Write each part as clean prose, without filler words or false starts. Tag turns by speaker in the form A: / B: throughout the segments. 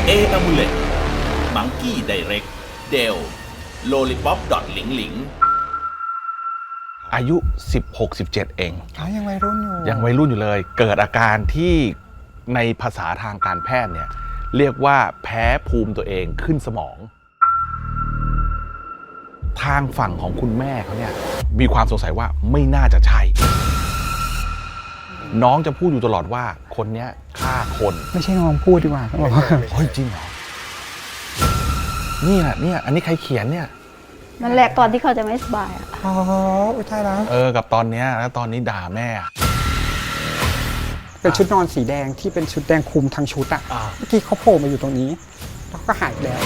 A: A Amulet Monkey Direct Dell Lollipop หลิงหลิง
B: อายุ 16-17 เอง
C: ยังวัยรุ่นอยู่
B: ยังวัยรุ่นอยู่เลย เกิดอาการที่ในภาษาทางการแพทย์เนี่ยเรียกว่าแพ้ภูมิตัวเองขึ้นสมอง ทางฝั่งของคุณแม่เขาเนี่ยมีความสงสัยว่าไม่น่าจะใช่ น้องจะพูดอยู่ตลอดว่าคนเนี้ยฆ่าคน
C: ไม่ใช่น้องพูดดีกว่าต้องบอกว่า
B: เฮ้ยจริงเหรอนี่แหละเนี่ยอันนี้ใครเขียนเนี่ย
D: นั่นแหละตอนที่เขาจะไม่สบายอะ
C: อ๋ออุทัยแล้ว
B: กับตอนเนี้ยแล้วตอนนี้ด่าแม่
C: เป็นชุดนอนสีแดงที่เป็นชุดแดงคลุมทั้งชุดอะเมื่อกี้เขาโผล่มาอยู่ตรงนี้แล้วก็หายไปแล้ว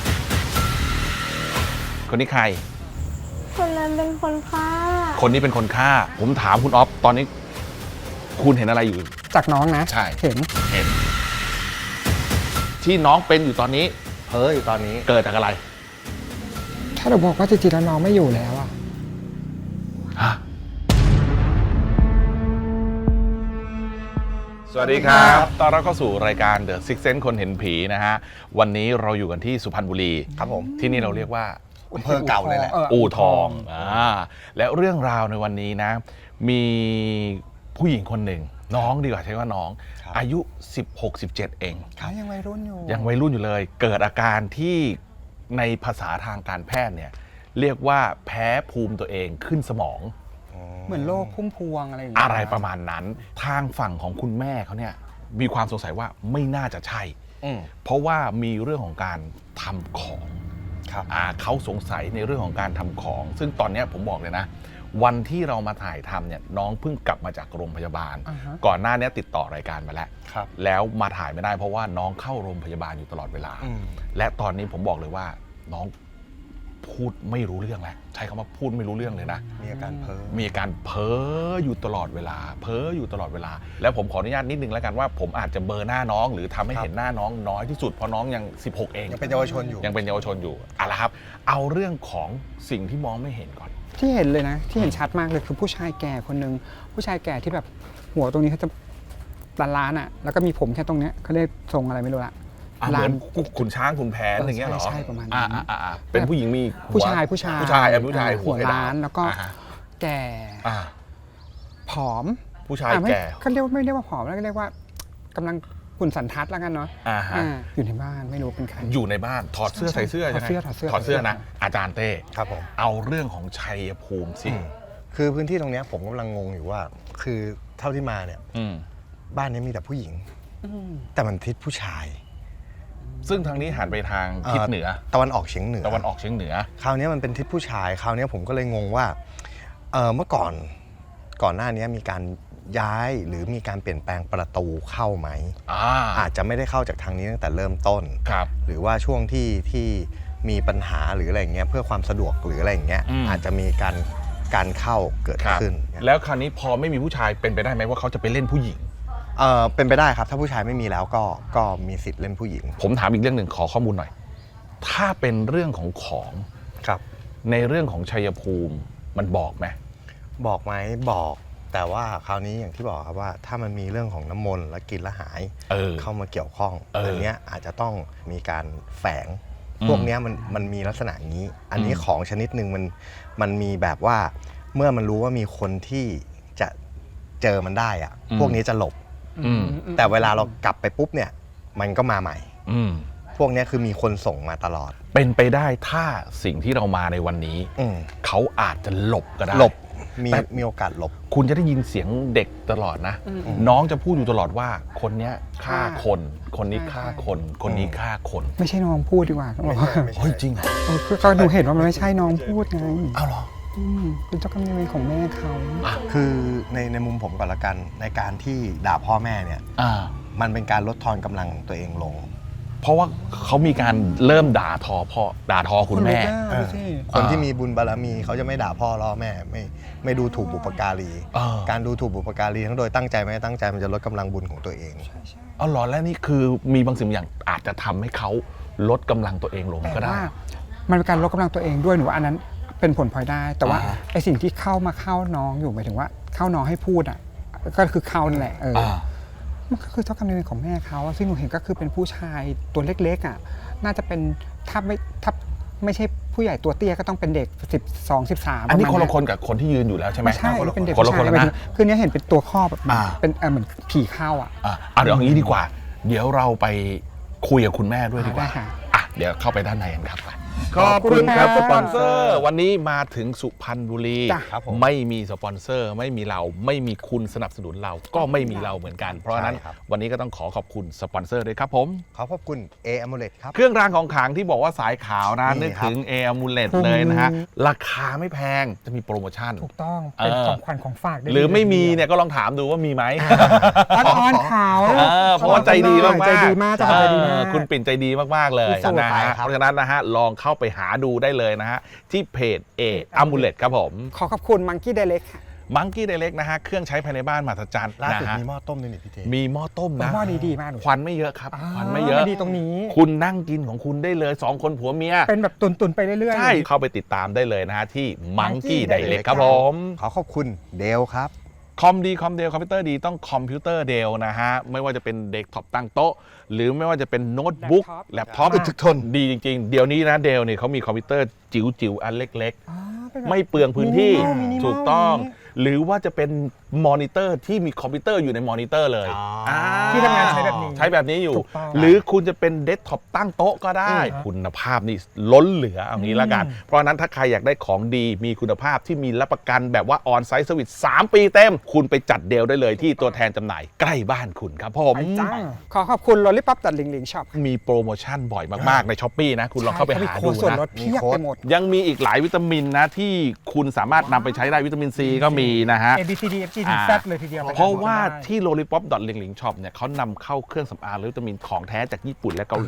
B: คนนี้ใคร
D: คนนั้นเป็นคนฆ่า
B: คนนี้เป็นคนฆ่า ผมถามคุณอ๊อฟตอนนี้ คุณเห็นอะไรอยู่
C: จากน้องนะ
B: ใช่
C: เห็น
B: เห็น ที่น้องเป็นอยู่ตอนนี้
E: เพ้ออยู่ตอนนี้
B: เกิดจากอะไร
C: ถ้าเราบอกว่าจริงๆแล้วน้องไม่อยู่แล้วอะ
B: ฮะสวัสดีครับตอนรับเข้าสู่รายการ The Six Sense คนเห็นผีนะฮะ วันนี้เราอยู่กันที่สุพรรณบุรี
E: ครับผม
B: ที่นี่เราเรียกว่า
E: อำเภอเก่าเลยแหละ
B: อู่ทองและเรื่องราวในวันนี้นะ มีผู้หญิงคนหนึ่ง น้องดีกว่าใช้ว่าน้อง
E: ครับ
B: อายุ 16-17 เอง
C: ยังวัยรุ่นอยู่
B: ยังวัยรุ่นอยู่เลย เกิดอาการที่ในภาษาทางการแพทย์เนี่ยเรียกว่าแพ้ภูมิตัวเองขึ้นสมอง
C: เหมือนโรคพุ่มพวงอะไรอย่างเงี้ย
B: อะไรประมาณนั้น ทางฝั่งของคุณแม่เขาเนี่ยมีความสงสัยว่าไม่น่าจะใช่ เพราะว่ามีเรื่องของการทำของ
E: ครับ
B: เขาสงสัยในเรื่องของการทำของ ซึ่งตอนเนี้ยผมบอกเลยนะ วันที่เรามาถ่ายทำเนี่ยน้องเพิ่งกลับมาจากโรงพยาบาล ก่อนหน้านี้ติดต่อรายการมาแล้ว
E: ครับ
B: แล้วมาถ่ายไม่ได้เพราะว่าน้องเข้าโรงพยาบาลอยู่ตลอดเวลา และตอนนี้ผมบอกเลยว่าน้องพูดไม่รู้เรื่องแล้วใช้คำว่าพูดไม่รู้เรื่องเลยนะ
E: มีอาการเพ้อ
B: มีอาการเพ้ออยู่ตลอดเวลา เพ้ออยู่ตลอดเวลา แล้วผมขออนุญาตนิดนึงแล้วกันว่าผมอาจจะเบลอหน้าน้อง หรือทำให้เห็นหน้าน้องน้อยที่สุดเพราะน้องยัง 16 เอง
E: ยังเป็นเยาวชนอยู่
B: ยังเป็นเยาวชนอยู่เอาละครับ เอาเรื่องของสิ่งที่มองไม่เห็นก่อน
C: ที่เห็นเลยนะ ที่เห็นชัดมากเลยคือผู้ชายแก่คนหนึ่งผู้ชายแก่ที่แบบหัวตรงนี้เขาจะล้านๆอะแล้วก็มีผมแค่ตรงเนี้ยเขาเรียกทรงอะไรไม่รู้ละ
B: เหมือนขุนช้างขุนแผนอย่างเงี้ยเหรอ
C: ใช่ประมาณนั้น
B: เป็นผู้หญิงมีหัว
C: ผู้ชาย
B: ผู้ชายหัว
C: ล้านแล้วก็แก่
B: อ่า
C: ผอม
B: ผู้ชาย
C: ไม่
B: แก่
C: เขาเรียกไม่เรียกว่าผอมแล้วก็เรียกว่ากำลังหุ่นสันทัดแล้วกันเนาะ อยู่ในบ้านไม่รู้เป็นใคร
B: อยู่ในบ้านถอดเสื้อใส่เสื้อ
C: ถอดเสื้อ
B: ใช่ไหม
C: ถอดเสื้อ
B: ถอดเสื้อนะอาจารย์เต้
E: ครับผม
B: เอาเรื่องของชัยภูมิสิ
E: คือพื้นที่ตรงเนี้ยผมกำลังงงอยู่ว่า คือเท่าที่มาเนี่ย บ้านนี้มีแต่ผู้หญิง แต่มันทิศผู้ชาย
B: ซึ่งทางนี้หันไปทางทิศเหนือ
E: ตะวันออกเฉียงเหนือ
B: ตะวันออกเฉียงเหนือ
E: คราวนี้มันเป็นทิศผู้ชาย คราวนี้ผมก็เลยงงว่าเมื่อก่อนหน้านี้มีการย้ายหรือมีการเปลี่ยนแปลงประตูเข้าไหม อาจจะไม่ได้เข้าจากทางนี้ตั้งแต่เริ่มต้น
B: ครับ
E: หรือว่าช่วงที่มีปัญหาหรืออะไรอย่างเงี้ยเพื่อความสะดวกหรืออะไรอย่างเงี้ยอาจจะมีการเข้าเกิดขึ้น
B: แล้วคราวนี้พอไม่มีผู้ชายเป็นไปได้ไหมว่าเขาจะไปเล่นผู้หญิง
E: เป็นไปได้ครับถ้าผู้ชายไม่มีแล้วก็มีสิทธิ์เล่นผู้หญิง
B: ผมถามอีกเรื่องหนึ่งขอข้อมูลหน่อย ถ้าเป็นเรื่องของ
E: ครับ
B: ในเรื่องของชัยภูมิมันบอกไหม
E: บอกไหมบอกแต่ว่าคราวนี้อย่างที่บอกครับว่าถ้ามันมีเรื่องของน้ำมนต์และกินและหายเข้ามาเกี่ยวข้องอันเนี้ยอาจจะต้องมีการแฝงพวกเนี้ยมันมีลักษณะอย่างนี้ อันนี้ของชนิดหนึ่งมันมีแบบว่าเมื่อมันรู้ว่ามีคนที่จะเจอมันได้อะพวกนี้จะหลบแต่เวลาเรากลับไปปุ๊บเนี่ยมันก็มาใหม่พวกนี้คือมีคนส่งมาตลอด
B: เป็นไปได้ถ้าสิ่งที่เรามาในวันนี้เขาอาจจะหลบก็ได้
E: หลบมีโอกาสหลบ
B: คุณจะได้ยินเสียงเด็กตลอดนะน้องจะพูดอยู่ตลอดว่าคนเนี้ยฆ่าคนคนนี้ฆ่าคนคนนี้ฆ่าคน
C: ไม่ใช่น้องพูดดีกว่าต้องบอกว่า
B: เฮ้ยจริงเหรอ
C: ก็ดูเห็นว่ามันไม่ใช่น้องพูดไง
B: อ้าวเหรอ
C: เป็นเจ้ากรรมนายเวรของแม่เขา
E: คือในมุมผมก่อนละกันในการที่ด่าพ่อแม่เนี่ยมันเป็นการลดทอนกำลังตัวเองลง
B: เพราะว่าเขามีการเริ่มด่าทอคุณแม่
E: คนที่มีบุญบารมีเขาจะไม่ด่าพ่อล่อแม่ไม่ดูถูกบุปการีการดูถูกบุปการีทั้งโดยตั้งใจไม่ตั้งใจมันจะลดกำลังบุญของตัวเอง
B: อ๋อเหรอและนี่คือมีบางสิ่งอย่างอาจจะทำให้เขาลดกำลังตัวเองลงก็ได้
C: มันเป็นการลดกำลังตัวเองด้วยหนูว่าอันนั้นเป็นผลพลอยได้แต่ว่าไอสิ่งที่เข้าน้องอยู่หมายถึงว่าเข้าน้องให้พูดอ่ะก็คือเข้านั่นแหละมันก็คือเจ้ากรรมนายเวรของแม่เขาอะซึ่งหนูเห็นก็คือเป็นผู้ชายตัวเล็กๆอ่ะน่าจะเป็นถ้าไม่ใช่ผู้ใหญ่ตัวเตี้ยก็ต้องเป็นเด็ก12 13
B: อันนี้คนละคนกับคนที่ยืนอยู่แล้วใช่ไหม
C: ไม่ใช่เป็นเด็ก
B: คนละ
C: ผู้
B: คน
C: ชาย
B: แล้วนะ
C: คือเนี้ยเห็นเป็นตัวครอบแบบ
B: อ่า
C: เป็นเหมือนผีเข้าอ่ะ
B: เดี๋ยวอย่างนี้ดีกว่า เดี๋ยวเราไปคุยกับคุณแม่ด้วยดีกว่า
C: ได้ค่ะ
B: เดี๋ยวเข้าไปด้านในกันครับไป
C: ขอบคุณครับ
B: สปอนเซอร์ วันนี้มาถึงสุพรรณบุรี
C: จ้ะ
E: ครับผม
B: ไม่มีสปอนเซอร์ไม่มีเราไม่มีคุณสนับสนุนเราก็ไม่มีเราเหมือนกัน เพราะฉะนั้น
E: ใช่ครับ
B: วันนี้ก็ต้องขอบคุณสปอนเซอร์ด้วยครับผม
E: ขอบคุณ A Amulet ครับ
B: เครื่องรางของขลังที่บอกว่าสายขาวนะ
E: นี่
B: นึก
E: ครับ
B: ถึงเออมูเลตเลยนะฮะราคาไม่แพงจะมีโปรโมชั่น
C: ถูกต้องเป็น
B: เออ
C: ของขวัญของฝากได้
B: หรือไม่มีเนี่ยก็ลองถามดูว่ามีไหม
C: อ้อนๆเขา
B: เพราะว่าใจดีมากๆ
C: ใจดีมากใจดีมาก
B: คุณปิ่นใจดีมากๆเลย
E: จัด
B: นะ
E: ไป
B: ฮะ
E: ครับ
B: เพราะฉะนั้นนะฮะลองเข้าไปหาดูได้เลยนะฮะที่เพจเออมูเลตครับผม
C: ขอขอบคุณมังกี้ไดเล็กค่ะ
B: มังกี้ไดเล็กนะฮะเครื่องใช้ภายในบ้านมหัศจรรย์
E: ล่า
B: นะ
E: สุด
B: ฮะ
E: มีหม้อต้มด้วยนี่พี่เจ
B: มีหม้อต้มนะ
C: หม้อนี้ดีมากหนู
B: ควันไม่เยอะครับควันไม่เยอะ
C: ดีตรงนี้
B: คุณนั่งกินของคุณได้เลย2คนผัวเมีย
C: เป็นแบบตุนๆไปเรื่อยๆ
B: ใช่เข้าไปติดตามได้เลยนะฮะที่มังกี้ไดเล็กครับผม
E: ขอบคุณเดลครับ
B: คอมดีคอมเดลคอมพิวเตอร์ดีต้องคอมพิวเตอร์เดลนะฮะไม่ว่าจะเป็นเดสก์ท็อปตั้งโต๊ะ หรือไม่ว่าจะเป็นโน้ตบุ๊กแล็ปท็อป
E: ทุกทน
B: ดีจริงๆ เดี๋ยวนี้นะเดลเนี่ยเขามีคอมพิวเตอร์จิ๋วๆ อันเล็ก
C: อ๋อเป็นแบบ
B: ๆ ไม่เปลืองพื้นที่
C: มินิมอล
B: ถูกต้อง
C: มินิมอล
B: หรือว่าจะเป็นมอนิเตอร์ที่มีคอมพิวเตอร์อยู่ในมอนิเตอร์เลย
E: อ่า
C: ที่ทำงานใช้แบบนี้
B: ใช้แบบนี้อยู่
C: ถูกต้อง
B: หรือคุณจะเป็นเดสก์ท็อปตั้งโต๊ะก็ได้ คุณภาพนี่ล้นเหลือเอางี้ละกัน เพราะฉะนั้นถ้าใครอยากได้ของดีมีคุณภาพที่มีรับประกันแบบว่าออนไซต์สวิต3 ปีเต็ม คุณไปจัดเดลได้เลยที่ตัวแทนจำหน่ายใกล้บ้านคุณครับผม
C: ไปจ้าขอขอบคุณลอลลี่ป๊อปตัดลิงลิงช็อป
B: มีโปรโมชั่นบ่อยมากๆในช้อปปีนะ คุณลองเข้าไปหาดู
C: ส่วน
B: นะ
C: ลดเพียบไปหมด
B: ยังมีอีกหลายวิตามินนะที่คุณสามารถนำไปใช้ได้วิตามินซีก็มีนะฮะ
C: A B C D F G ถึง Z เลยทีเดียว
B: เพราะว่าที่ lollipop l i n g l i n g shop เนี่ยเขานำเข้าเครื่องสำอางและวิตามินของแท้จากญี่ปุ่นและเกาหลี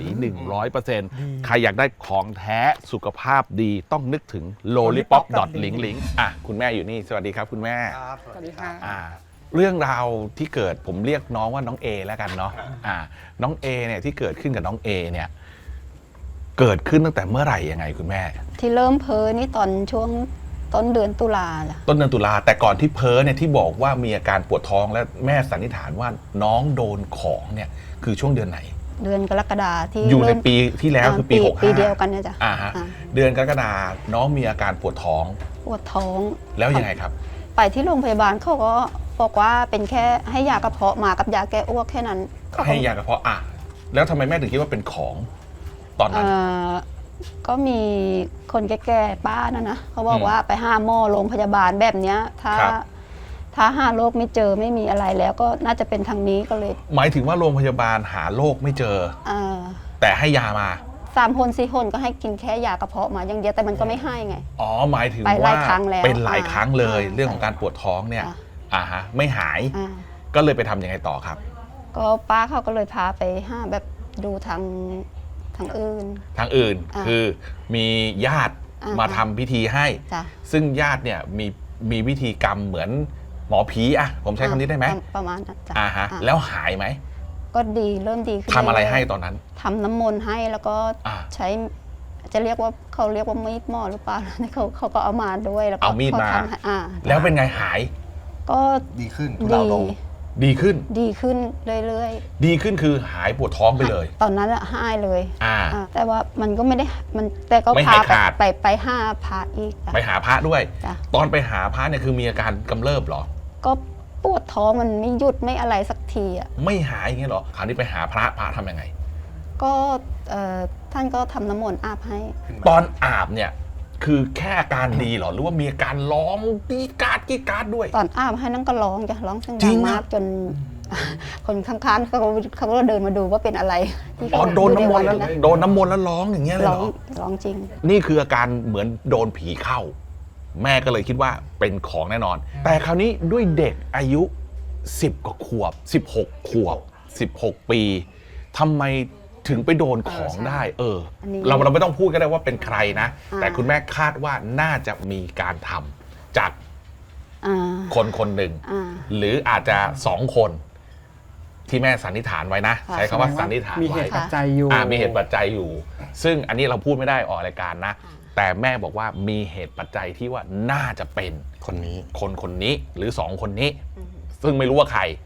B: 100% ใครอยากได้ของแท้สุขภาพดีต้องนึกถึง lollipop l i n g l i n g คุณแม่อยู่นี่สวัสดีครับคุณแม่
C: สวัสดีค่ะ
B: เรื่องราวที่เกิดผมเรียกน้องว่าน้องเอแล้วกันเนาะน้องเอเนี่ยที่เกิดขึ้นกับน้องเอเนี่ยเกิดขึ้นตั้งแต่เมื่อไหร่ยังไงคุณแม่
D: ที่เริ่มเพ้อนี่ตอนช่วงต้นเดือนตุลาจ้ะ
B: ต้นเดือนตุลาแต่ก่อนที่เพ้อเนี่ยที่บอกว่ามีอาการปวดท้องและแม่สันนิษฐานว่าน้องโดนของเนี่ยคือช่วงเดือนไหน
D: เดือนกรกฎาที่
B: อยู่ใน
D: เริ่ม
B: ปีที่แล้วคือปี 65
D: ปีเดียวกันเนี่ยจ้ะ
B: ฮะ
D: อ่า
B: เดือนกรกฎาน้องมีอาการปวดท้อง
D: ปวดท้อง
B: แล้วยังไงครับ
D: ไปที่โรงพยาบาลเขาก็บอกว่าเป็นแค่ให้ยากระเพาะมากับยาแก้อ้วกแค่นั้นเขาก็
B: ให้ยากระเพาะแล้วทำไมแม่ถึงคิดว่าเป็นของตอนนั้น
D: ก็มีคนแก่ๆป้านะเขาบอกว่าไปหาหมอโรงพยาบาลแบบเนี้ยถ้าหาโรคไม่เจอไม่มีอะไรแล้วก็น่าจะเป็นทางนี้ก็เลย
B: หมายถึงว่าโรงพยาบาลหาโรคไม่เจอ แต่ให้ยามา
D: 3 คน4 คนก็ให้กินแค่ยากระเพาะมาอย่างเดียวแต่มันก็ไม่ให้ไง
B: หมายถึง
D: ไปห
B: ว่า
D: ลายครั้งแล้ว
B: เป็นหลายครั้งเลย
D: อ่า
B: เรื่องของการปวดท้องเนี่ย
D: อ่า
B: ไม่หาย ก็เลยไปทำยังไงต่อครับ
D: ก็ป้าเขาก็เลยพาไปหาแบบดูทางอื่น
B: ทางอื่น
D: อ่า
B: คือมีญาติ
D: อ่าม
B: มาทำพิธีให้
D: จ้ะ
B: ซึ่งญาติเนี่ยมีวิธีกรรมเหมือนหมอผีผมใช้คำนี้ได้ไหม
D: ประมาณนั้นจ้ะ
B: ฮะ
D: อ่า
B: แล้วหายไหม
D: ก็ดีเริ่มดีขึ้น
B: ทำอะไร
D: เยๆ
B: ให้ตอนนั้น
D: ทำน้ำมนต์ให้แล้วก็
B: อ่า
D: ใช้จะเรียกว่าเขาเรียกว่ามีดหมอหรือเปล่า เขาก็เอามาด้วยแล้วก็
B: เอามีดมา
D: เขทำให้
B: แล้วเป็นไงหาย
D: ก็
E: ดีขึ้นทุเลา
D: ดี
E: ลง
B: ดีขึ้น
D: ดีขึ้นเรื่อย
B: ดีขึ้นคือหายปวดท้องไปเลย
D: ๆ ตอนนั้นอะหายเลย
B: อ่า
D: แต่ว่ามันก็ไม่ได้มันแต่ก็
B: ไม่
D: พา
B: หายขาด
D: ไปหาพระอีกจ้ะ
B: ไปหาพระด้วย
D: จ้ะ
B: ตอนไปหาพระเนี่ยคือมีอาการกำเริบเหรอ
D: ก็ปวดท้องมันไม่หยุดไม่อะไรสักทีอ่ะ
B: ไม่หายอย่างเงี้ยเหรอคราวนี้ไปหาพระทำยังไง
D: ก็ท่านก็ทำน้ำมนต์อาบให้
B: ตอนอาบเนี่ยคือแค่อาการดีเหรอหรือว่ามีอาการร้องกรีดกราดด้วย
D: ตอนอาบให้นั่งก็ร้องจ้ะร้องเสียง
B: จริ
D: ดั
B: ง
D: ง
B: อะ
D: มากจน คนข้างๆเขาก็เดินมาดูว่าเป็นอะไรที่
B: โดนน้ำมนต์แล้ว
D: อยู่ใวัะ
B: โดนน้ำมนต์แล้วร้องอย่างเงี้ยเลย
D: ร้
B: เห
D: อ
B: รง อ
D: ร้องจริง
B: นี่คืออาการเหมือนโดนผีเข้า แม่ก็เลยคิดว่าเป็นของแน่นอน แต่คราวนี้ด้วยเด็กอายุ 10 กว่าขวบ 16 ขวบ 16 ปีทำไมถึงไปโดนของได้
D: อันนี้
B: เราไม่ต้องพูดก็ได้ว่าเป็นใครนะ
D: อ่า
B: แต่คุณแม่คาดว่าน่าจะมีการทำจาก
D: อ่า
B: คนคนหนึ่ง
D: อ่า
B: หรืออาจจะ2 คนที่แม่สันนิษฐานไว้นะ
D: ค่ะ
B: ใช้คำว่าสันนิษฐาน
C: มีเห
B: ไว้
C: ตุปัจจัยอยู่
B: มีเหตุปัจจัยอยู่ ซึ่งอันนี้เราพูดไม่ได้ออกรายการนะ แต่แม่บอกว่ามีเหตุปัจจัยที่ว่าน่าจะเป็น
E: คนนี้
B: คนนี้หรือ2 คนนี้ ซึ่งไม่รู้ว่าใคร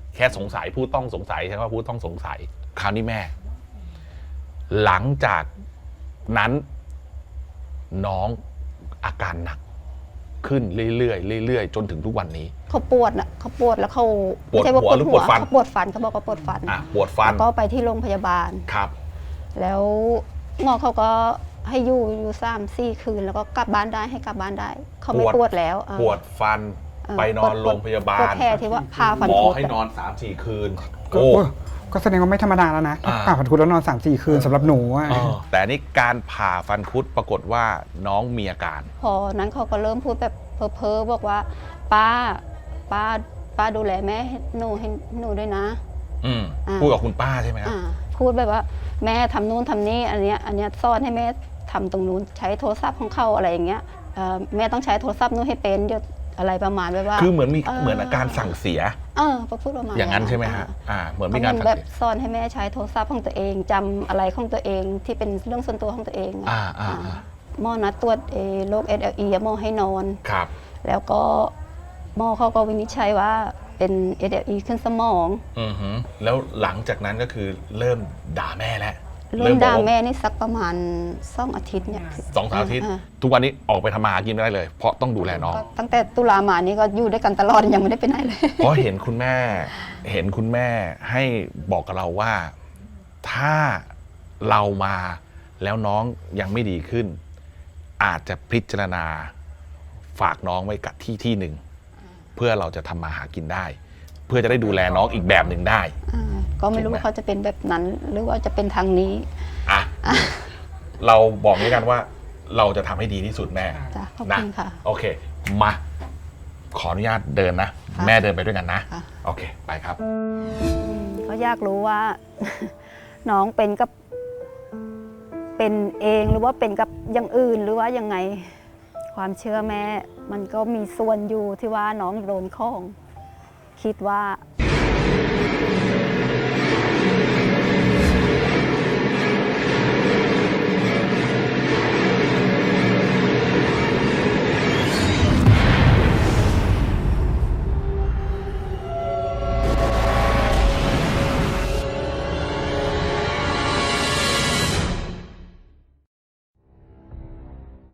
B: แค่สงสัยผู้ต้องสงสัยใช่ไหมว่าผู้ต้องสงสัยคราวนี้แม่ หลังจากนั้นน้องอาการหนักขึ้นเรื่อยๆจนถึงทุกวันนี้
D: เขาปวดเขาปวดแล้วเขา
B: ปวด
D: ไม่ใช่ว่า
B: หัวหรือปวดฟัน
D: เขาปวดฟันเขาบอกว่าปวดฟัน
B: ปวดฟัน
D: แล้วก็ไปที่โรงพยาบาล
B: ครับ
D: แล้วหมอเขาก็ให้อยู่3-4 คืนแล้วก็กลับบ้านได้ให้กลับบ้านได้ เขาไม่ปวดแล้ว
B: ปวดฟันไปนอนโรงพยาบาล
D: ปวดแค่ที่ว่าพาฟัน
B: หมอ
D: คุด
B: ให้นอน 3-4 คืน
C: ก็แสดงว่าไม่ธรรมดาแล้วนะผ่าฟันคุดแล้วนอน 3-4 คืนสำหรับหนูอะ
B: แต่นี่การผ่าฟันคุดปรากฏว่าน้องมีอาการ
D: พอนั้นเขาก็เริ่มพูดแบบเพ้อๆบอกว่าป้าดูแลแม่ให้หนูด้วยนะ
B: พูดกับคุณป้าใช่ไหมครับ
D: พูดแบบว่าแม่ทำนู่นทำนี่อันเนี้ยซ่อนให้แม่ทำตรงนู้นใช้โทรศัพท์ของเขาอะไรอย่างเงี้ยแม่ต้องใช้โทรศัพท์นู้นให้เป็นเดี๋ยวอะไรประมาณแบบว่า
B: คือเหมือนอาการสั่งเสีย
D: พูดประมาณ
B: อย่างนั้นใช่ไหมฮะเหมือนมีการสั่ง
D: แบบ
B: เสีย
D: ซ่อนให้แม่ใช้โทรศัพท์ของตัวเองจำอะไรของตัวเองที่เป็นเรื่องส่วนตัวของตัวเองหมอนัดตรวจโรค SLE หมอให้นอน
B: ครับ
D: แล้วก็หมอเขาก็วินิจฉัยว่าเป็น SLE ขึ้นสมอง
B: แล้วหลังจากนั้นก็คือเริ่มด่าแม่แล้ว
D: เริ่มด่าแม่นี่สักประมาณ2 อาทิตย์เนี่ย
B: 2-3 อาทิตย์ทุกวันนี้ออกไปทำมาหากินไม่ได้เลยเพราะต้องดูแลน้อง
D: ตั้งแต่ตุลามานี้ก็อยู่ด้วยกันตลอดยังไม่ได้ไปไหนเลย
B: เพราะเห็นคุณแม่ให้บอกกับเราว่าถ้าเรามาแล้วน้องยังไม่ดีขึ้นอาจจะพิจารณาฝากน้องไว้กับที่หนึ่งเพื่อเราจะทำมาหากินได้เพื่อจะได้ดูแลน้องอีกแบบหนึ่งได้
D: ก็ไม่รู้ว่าเขาจะเป็นแบบนั้นหรือว่าจะเป็นทางนี้
B: เราบอกด้วยกันว่าเราจะทำให้ดีที่สุดแม่
D: จ้ะขอบคุณค่ะ
B: โอเคมาขออนุญาตเดินนะแม่เดินไปด้วยกันนะโอเคไปครับ
D: เขาอยากรู้ว่า น้องเป็นเองหรือว่าเป็นกับอย่างอื่นหรือว่ายังไงความเชื่อแม่มันก็มีส่วนอยู่ที่ว่าน้องโดนของคิดว่า